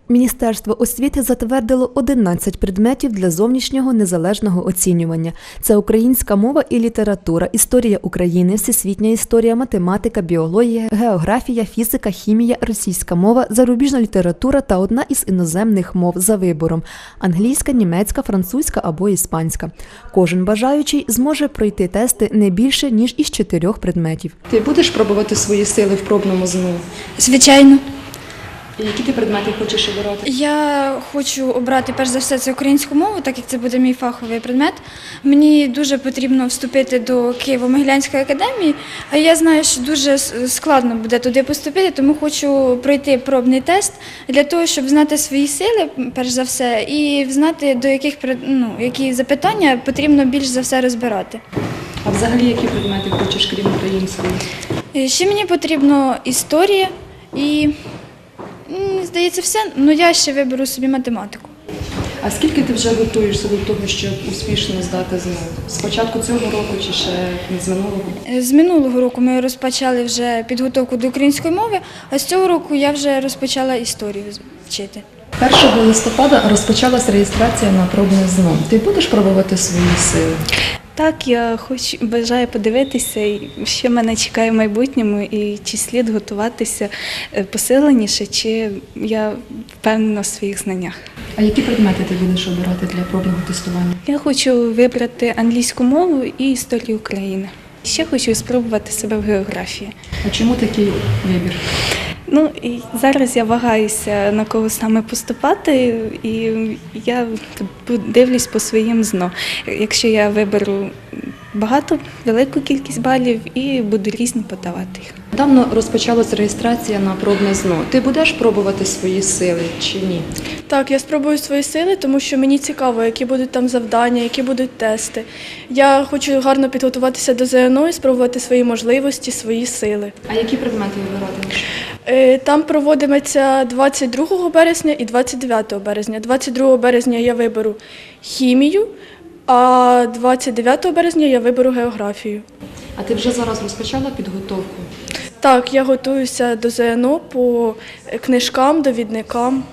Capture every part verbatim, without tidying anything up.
Міністерство освіти затвердило одинадцять предметів для зовнішнього незалежного оцінювання. Це українська мова і література, історія України, всесвітня історія, математика, біологія, географія, фізика, хімія, російська мова, зарубіжна література та одна із іноземних мов за вибором – англійська, німецька, французька або іспанська. Кожен бажаючий зможе пройти тести не більше, ніж із чотирьох предметів. Ти будеш пробувати свої сили в пробному ЗНО? Звичайно. І які ти предмети хочеш обирати? Я хочу обрати, перш за все, це українську мову, так як це буде мій фаховий предмет. Мені дуже потрібно вступити до Києво-Могилянської академії, а я знаю, що дуже складно буде туди поступити, тому хочу пройти пробний тест для того, щоб знати свої сили, перш за все, і знати, до яких, ну, які запитання потрібно більш за все розбирати. А взагалі, які предмети хочеш, крім української? Ще мені потрібно історія і, здається, все. Ну, я ще виберу собі математику. А скільки ти вже готуєшся до того, щоб успішно здати ЗНО? З початку цього року чи ще з минулого? З минулого року ми розпочали вже підготовку до української мови, а з цього року я вже розпочала історію вчити. першого листопада розпочалась реєстрація на пробне ЗНО. Ти будеш пробувати свої сили? Так, я хочу, бажаю подивитися, що мене чекає в майбутньому, і чи слід готуватися посиленіше, чи я впевнена в своїх знаннях. А які предмети ти будеш обирати для пробного тестування? Я хочу вибрати англійську мову і історію України. Ще хочу спробувати себе в географії. А чому такий вибір? Ну, і зараз я вагаюся, на кого саме поступати, і я дивлюсь по своїм ЗНО. Якщо я виберу багато, велику кількість балів і буду різні подавати їх. Давно розпочалась реєстрація на пробне ЗНО. Ти будеш пробувати свої сили чи ні? Так, я спробую свої сили, тому що мені цікаво, які будуть там завдання, які будуть тести. Я хочу гарно підготуватися до ЗНО і спробувати свої можливості, свої сили. А які предмети вибиратимеш? Там проводиметься двадцять другого березня і двадцять дев'ятого березня. двадцять другого березня я виберу хімію, а двадцять дев'ятого березня я виберу географію. А ти вже зараз розпочала підготовку? Так, я готуюся до ЗНО по книжкам, довідникам.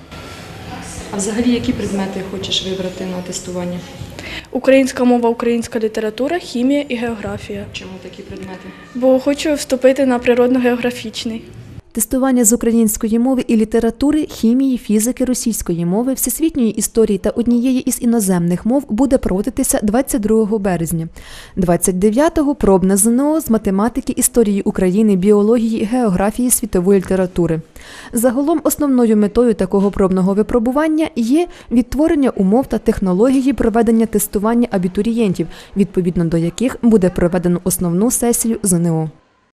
А взагалі, які предмети хочеш вибрати на тестування? Українська мова, українська література, хімія і географія. Чому такі предмети? Бо хочу вступити на природно-географічний. Тестування з української мови і літератури, хімії, фізики, російської мови, всесвітньої історії та однієї із іноземних мов буде проводитися двадцять другого березня. двадцять дев'ятого – пробне ЗНО з математики, історії України, біології, географії, світової літератури. Загалом основною метою такого пробного випробування є відтворення умов та технології проведення тестування абітурієнтів, відповідно до яких буде проведено основну сесію ЗНО.